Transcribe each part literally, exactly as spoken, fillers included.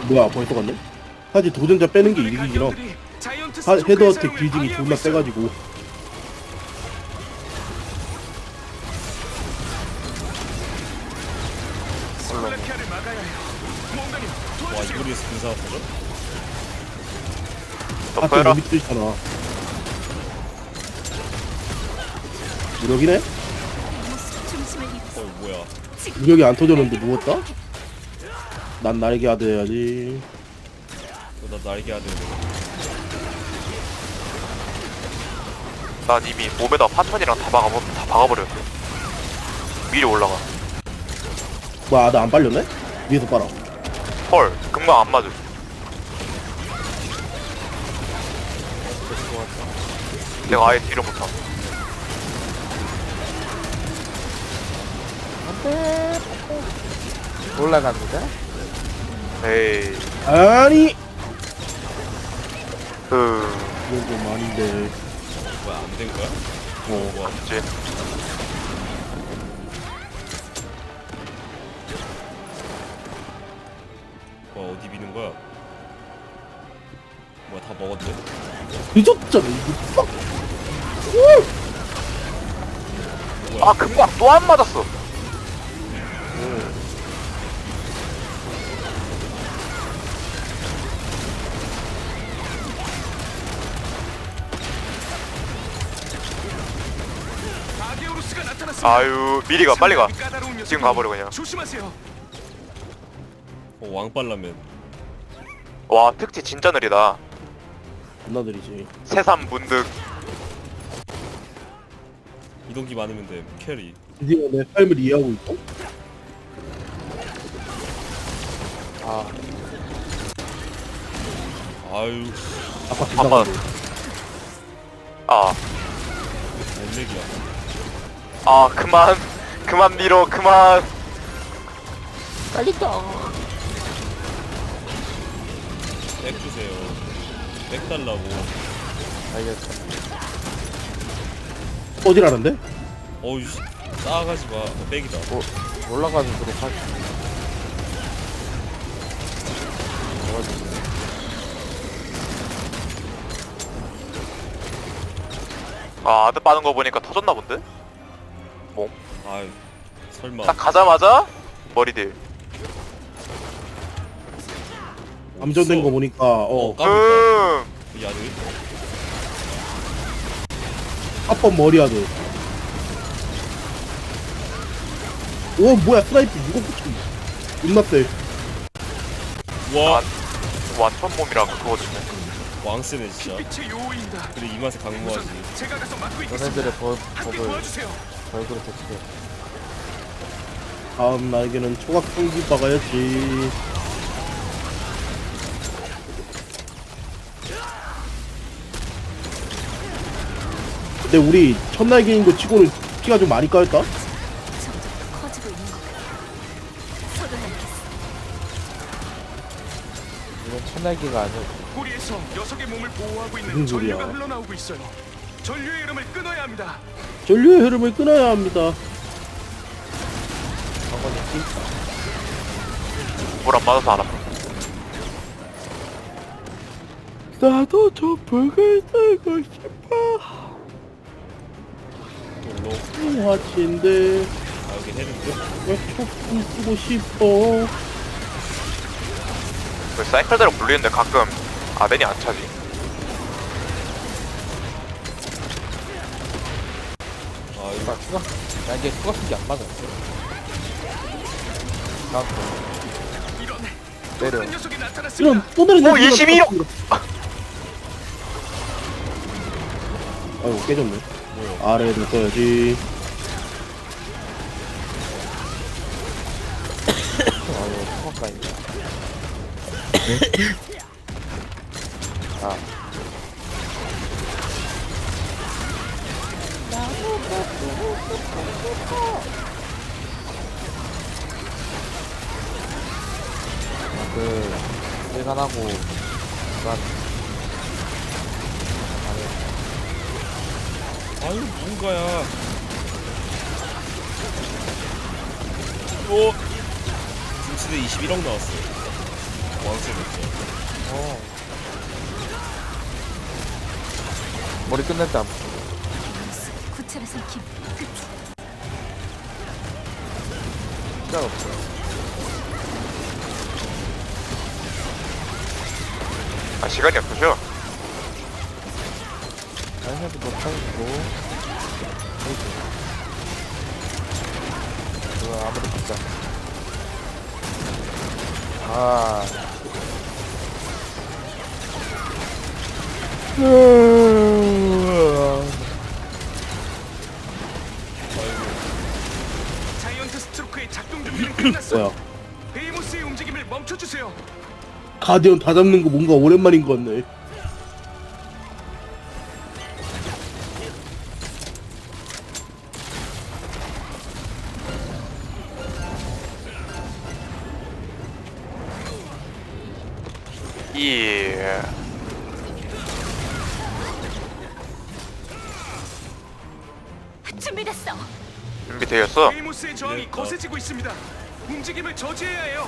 뭐야 벌써 갔네? 사실 도전자 빼는 게 이득이긴 함. 하- 헤더 어택 딜진이 존나 세가지고. 와 이거리에서 근사가 터져? 하트 덮어라. 너무 뜨잖아. 무력이네? 어 뭐야 무력이 안 터졌는데 누웠다? 난 날개 하드 해야지. 너 나 날개 하드 난 이미 몸에다 파천이랑 다 박아버 다 박아버렸어. 미리 올라가. 뭐야 나 안 빨렸네? 위에서 빨아. 헐, 금방 안 맞음. 내가 아예 딜을 못함. 올라갑니다. 에이, 아니 그, 이건 좀 아닌데. 뭐야 안 된 거야? 어 뭐야 이제 뭐야 어디 미는 거야? 뭐야 다 먹었네? 늦었잖아 이거. 빡! 아 금방 또 안 맞았어. 아유 미리 가 빨리 가. 지금 가버려 그냥. 조심하세요. 어 왕빨라면 와 특치 진짜 느리다. 겁나 느리지. 새삼 문득. 이동기 많으면 돼 캐리 드디어 내 삶을 이해하고 있어? 아, 아유 아까 한번. 기사가 아, 엘렉이야 아 그만 그만 밀어 그만. 빨리 떠. 백 주세요 백 달라고 알겠어. 어디라는데? 어우 씨 싸가지 마 백이다 뭐, 올라가도록 하지. 아 아드 빠는 거 보니까 터졌나 본데? 아유 설마 딱 가자마자 머리들. 감전된 거 보니까 어 어 까불까 음. 야드 합법 머리하드. 오 뭐야 스나이프 이거 붙여. 존나 세. 와 완천 몸이랑 그거 좋네. 왕세네 진짜 빛의 요인이다. 그래 이 맛에 강무하지 제가 가서 막고 있겠습니다. 너네들의 벌, 함께 법을 도와주세요. 벌그로 대치해. 다음 날개는 초각 통기 박아야지. 근데 우리 첫 날개인 거 치고는 피가 좀 많이 까였다? 점점 더 커지고 있는 것 같아. 서둘러야겠어. 이건 천날기가 아니고 꼬리에서 녀석의 몸을 보호하고 있는 무슨 소리야. 전류가 흘러나오고 있어요. 전류의 흐름을 끊어야 합니다. 전류의 흐름을 끊어야 합니다. 물 안 맞아서 안 아파. 나도 저 벽을 쓰고 싶어. 돌로 화치인데 아 여기 해는데 왜 촉좀 쓰고 싶어. 그 사이클대로 불리는데 가끔 아덴이 안 차지. 아 이거 아, 추가? 야, 이게 추가 쓴게 안 맞았어. 다음 거. 이런 내려. 큰 녀석이 나타났습니다. 이런 또 다른 오, 이십이 호! 아이고 깨졌네. 뭐야 아래에도 써야지. 아, 이거 추가까지. 아, 그, 일간하고, 난, 아유 뭔가야 오 김치대 이십일억 나왔어 왕세 됐어. 어. 머리 끝냈다. 구체를 삼킴. 끝. 시간 없어. 아 시간이 없으셔. 아이한테 못 타고. 그거 아무리 진짜. 아. 자이언트 스트로크의 작동 준비는 끝났어. 뭐야? 베이모스의 움직임을 멈춰주세요. 가디언 다 잡는 거 뭔가 오랜만인 것 같네. 예. 준비됐어. 준비되었어. 베이모스의 저항이 거세지고 있습니다. 움직임을 저지해야 해요.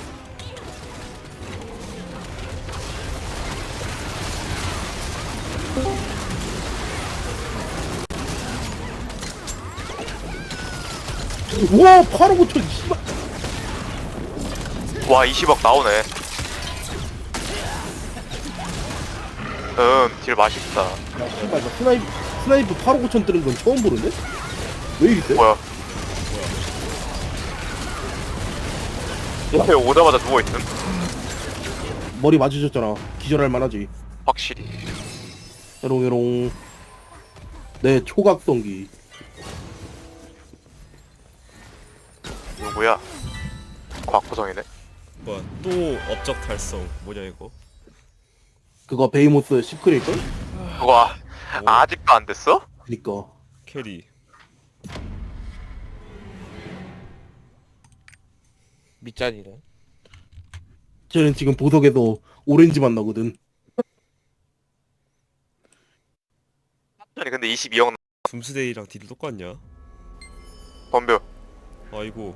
우와 바로 고쳐. 씨발. 와 이십억 나오네. 음, 딜 맛있다. 야 씨발 나 스나이프 스나이프 팔 오천 뜨는 건 처음 보는데? 왜 이리 세? 뭐야? 왜 오자마자 누워있음? 머리 맞으셨잖아. 기절할 만하지. 확실히. 에롱에롱. 내 초각성기. 누구야? 곽구성이네. 뭐야 또 업적 달성. 뭐냐 이거? 그거 베이모스 시크릿걸? 와 아직도 안 됐어? 그니까. 캐리. 밑잔이래. 쟤는 지금 보석에서 오렌지만 나거든. 아니 근데 이십이억 둠스데이랑 딜이 똑같냐? 덤벼. 아이고.